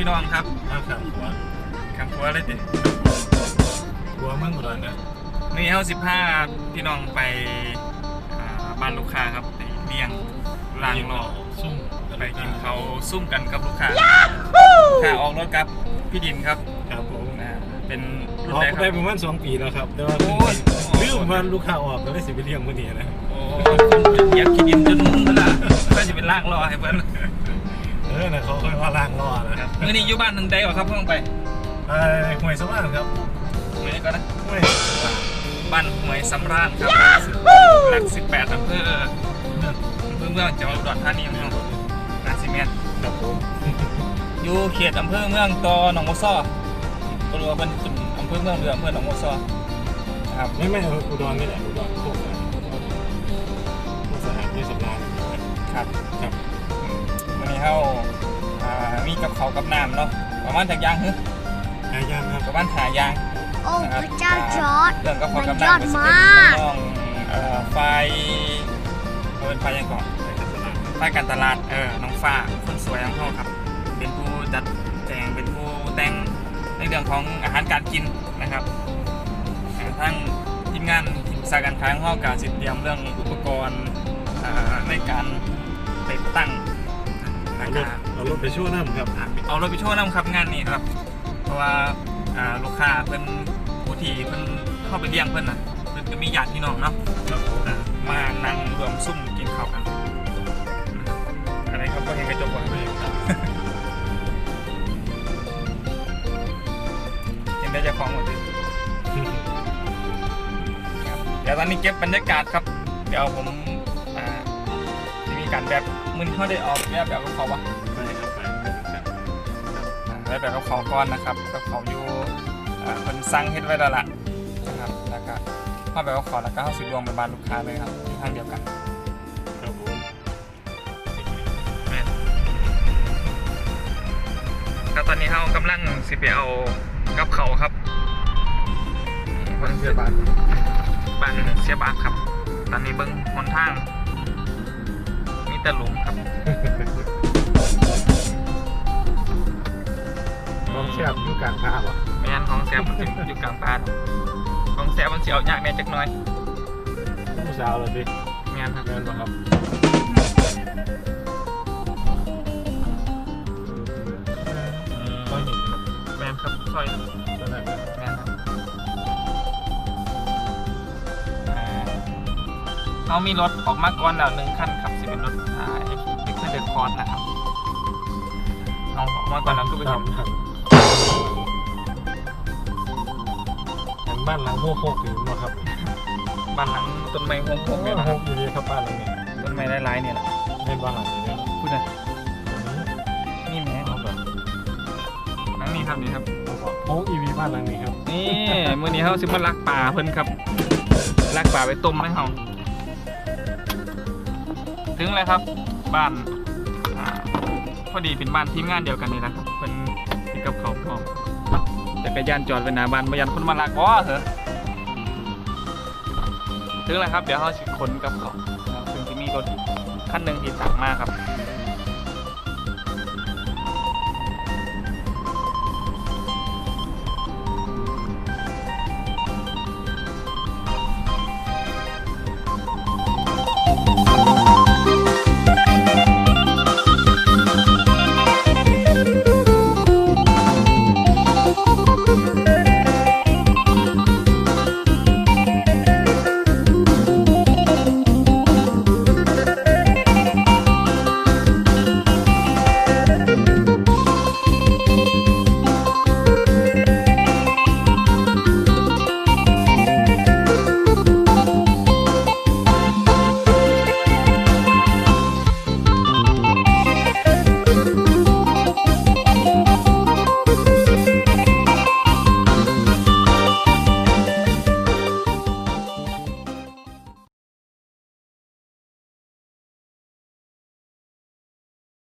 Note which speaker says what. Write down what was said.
Speaker 1: พี่น้องครับ
Speaker 2: ข้ามหัว
Speaker 1: ข้ามหัวเลยดิ
Speaker 2: หัวมั่งอุดรนะ
Speaker 1: นี่เฮา15พี่น้องไปบ้านลูกค้าครับไปเลี้ยงลางรอ
Speaker 2: ซุ่ม
Speaker 1: ไปกินเขาซุ่มกันกับลูกค้าค่ะออกรถกับพี่ดินครับ
Speaker 2: ครับผม
Speaker 1: เป็น
Speaker 2: รุ่นไหนครับได้ประมาณ2 ปีแล้วครับแต่ว่าลืมวันลูกค้าออกก็เลยสิไปเลี้ยงมื้อนี้นะ
Speaker 1: โอ้อยากกินดินจนมุ่งแล้วล่ะก็จะเป็นล่างรอให้เพิ่น
Speaker 2: นะเขาค่อยว่าล่างรอนะครับ
Speaker 1: มื้อนี้อยู่บ้านนึงได้บ่ครับเพิ่งไป
Speaker 2: ห้วยสำราญครับ
Speaker 1: มื้อนี้ก็นะ
Speaker 2: ห้วย
Speaker 1: บ้านห้วยสำราญครับหลัก18อำเภอเมืองจังหวัดอุดรธานีครับนาซิเมน
Speaker 2: ครับผม
Speaker 1: อยู่เขตอำเภอเมืองต่อหนองบัวซ้อก็รู้ว่าเป็นอำเภอเมืองหรืออำเภอหนองบัวซ้อครับ
Speaker 2: ไม่อุดรนี่แหละอุดรโคกสถานที่สำราญ
Speaker 1: ครับครับวันนี้เขามีกับเขากับน้ำเนาะประมาณจากยางฮึ
Speaker 2: หายางครับ
Speaker 1: ประมาณหายาง
Speaker 3: โอ้พระเจ้าจอร์ด
Speaker 1: เรื่องกับเขากับน้ำเป็นน้องไฟเป็นไฟยังก่อนไฟการตลาดน้องฟ้าคนสวยของเขาครับเป็นผู้จัดแจงเป็นผู้แต่งในเรื่องของอาหารการกินนะครับทั้งทีมงานทีมสายการค้าของเขาการเตรียมเรื่องอุปกรณ์ในการติดตั้ง
Speaker 2: เอารถไปช่วยน้ำครับ
Speaker 1: เอารถไปช่วยน้ำครับงานนี้ครับเพราะว่าลูกค้าเพิ่นผู้ที่เพิ่นเข้าไปเลี้ยงเพิ่นนะเพิ่นก็มีญาติพี่น้องเนาะมานั่งรวมซุ่มกินข้าวกันอะไรครับก็เห็นกระจกว่าเห็นได้จะคล้องหมดเลยเดี๋ยวตอนนี้เก็บบรรยากาศครับเดี๋ยวผมจะมีการแบบมึนเขาได้ออกแบบกับเขาปะแบบกับเขาก้อนนะครับกับเขาอยู่คนสั่งเฮ็ดไว้แล้วล่ะนะครับแล้วก็เข้าแบบกับเขาแล้วก็เข้าสิรวมไปบ้านลูกค้าเลยครับที่ทางเดียวกัน
Speaker 2: ครับผม
Speaker 1: ก็ตอนนี้เขากำลังสิไปเอากับเขาครับ
Speaker 2: บ้านเสียบาน
Speaker 1: เสียบานครับตอนนี้เบิ้งหนทางมีแต่หลุมครับ
Speaker 2: ของแซ่บอยู่กลางป่าป่ะ
Speaker 1: ไม่งั้นของแซ่บมันอยู่กลางป่าของแซ่บมันเสียวยากแน่จักหน่อย
Speaker 2: ผู้สาวเลยพี่
Speaker 1: ไม่งั้นครับ
Speaker 2: เงินป่ะครับ
Speaker 1: ซอยหินแมนครับซอยแมนครับเขามีรถออกมาก่อนแล้ว1 คันครับสิเป็นรถเด็กเดินคอนนะครับเอาออกมาก่อนแล้วก็ไปทำ
Speaker 2: บ้านหลังโฮกถึงมาครับ
Speaker 1: บ้านหลังต้นไม้โฮก
Speaker 2: เนี่ยโฮกอยู่ดีครับบ้านหลังนี้
Speaker 1: ต้นไม้หลายๆเนี่ยแหละ
Speaker 2: เป็นบ้านหลังนี้
Speaker 1: พูดเลยนี่แม่หลังนี้ครับนี่ครับ
Speaker 2: โฮกอีวีบ้านหลังนี้ครับ
Speaker 1: นี่มื้อนี้เขาสิมาลักป่าเพิ่นครับลักป่าไปต้มให้เขาถึงเลยครับบ้านพอดีเป็นบ้านทีมงานเดียวกันนี่นะครับเป็นกับเขาพร้อมจักรยานจอดไว้หน้าบ้านมายันคนมาลักเหรอถึงเลยครับเดี๋ยวเขาสิขนกับเขาซึ่งจะมีรถคันหนึ่งที่สั่งมาครับ